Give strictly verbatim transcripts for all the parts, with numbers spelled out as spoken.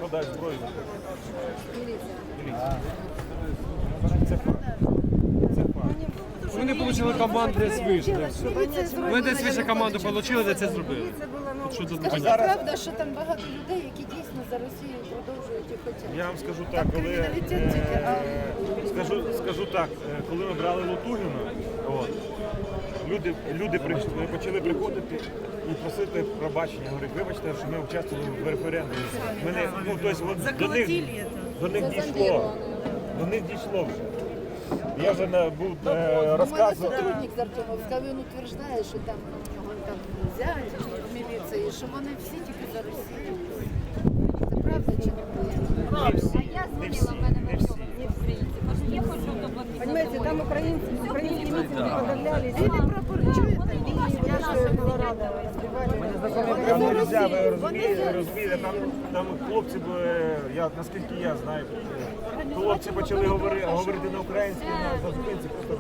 складають зброю. Міліція. Це факт. Це факт. Вони отримали команду десь вийшли. Ми десь вище команду отримали, де це зробили. От що тут Скажіть, непонятно. правда, що там багато людей, які дійсно за Росію продовжують і хочуть? Я вам скажу так, Там коли криміналітет е, тільки, а скажу, скажу так, е, коли ми брали Лутугіна, от, люди, люди прийшли, почали приходити і просити пробачення. Говорять, вибачте, що ми участвували в референдумі. Мене, ну, тобто, от, до них, до них дійшло. До них дійшло вже. Я вже на, був у е, мене розказував. сотрудник з Артемовська, він утверждає, що там у нього там зять в міліції, що вони всі тільки за Росію. Це правда чи не? Не всі, не всі, не всі. Понимаете, там украинцы, украинские митинги подавляли. Білі прапори, чуєте? Я же была рада, разбивали. Там нельзя, ви розумієте, розумієте, там, там хлопці, б- я, наскільки я знаю, хлопці почали говорити, говорити на українській, на зупинці просто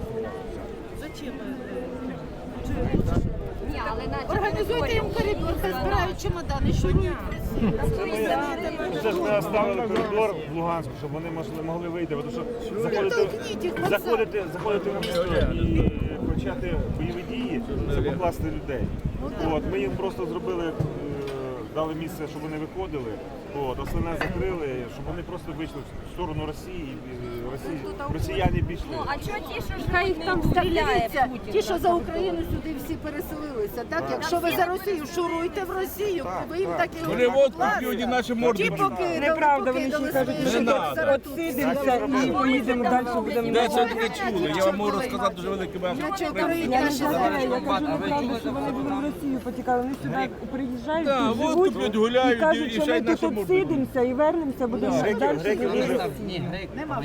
Ні, але наче Організуйте їм коридор, хай збирають чемодани, шурують. це ж ми оставили коридор в Луганську, щоб вони могли, могли вийти, тому що заходити, Толкніть їх в вокзал. заходити, заходити в місто і почати бойові дії, це покласти людей. От, ми їм просто зробили, е, дали місце, щоб вони виходили, от, основне закрили, щоб вони просто вийшли в сторону Росії, і Росії, росіяни пішли. Ну, а чого ті, що ж Хай їх там стріляє дивіться, Путін? ті, що за Україну сюди всі переселилися. Так, якщо ви за Росію, шуруйте в Росію, Так, ви їм так. так і Вони водку п'ють і наші морди Ті б'ють. покидали, Неправда, вони покидали ще кажуть, свої що життя от зараз тут. сидимося і поїдемо далі, будемо. Де це таке чули? Я вам можу розказати дуже великий Я мем. чого Я Україні не наші знаю, зараз. я кажу, неправда, що вони були в Росію потікали. Вони сюди приїжджають, Да, тут водку живуть п'ють, гуляють і кажуть, і що ще й ми наші тут морди б'ють. сидимося і вернемося, будемо Греки, далі греки жити. дуже, Нема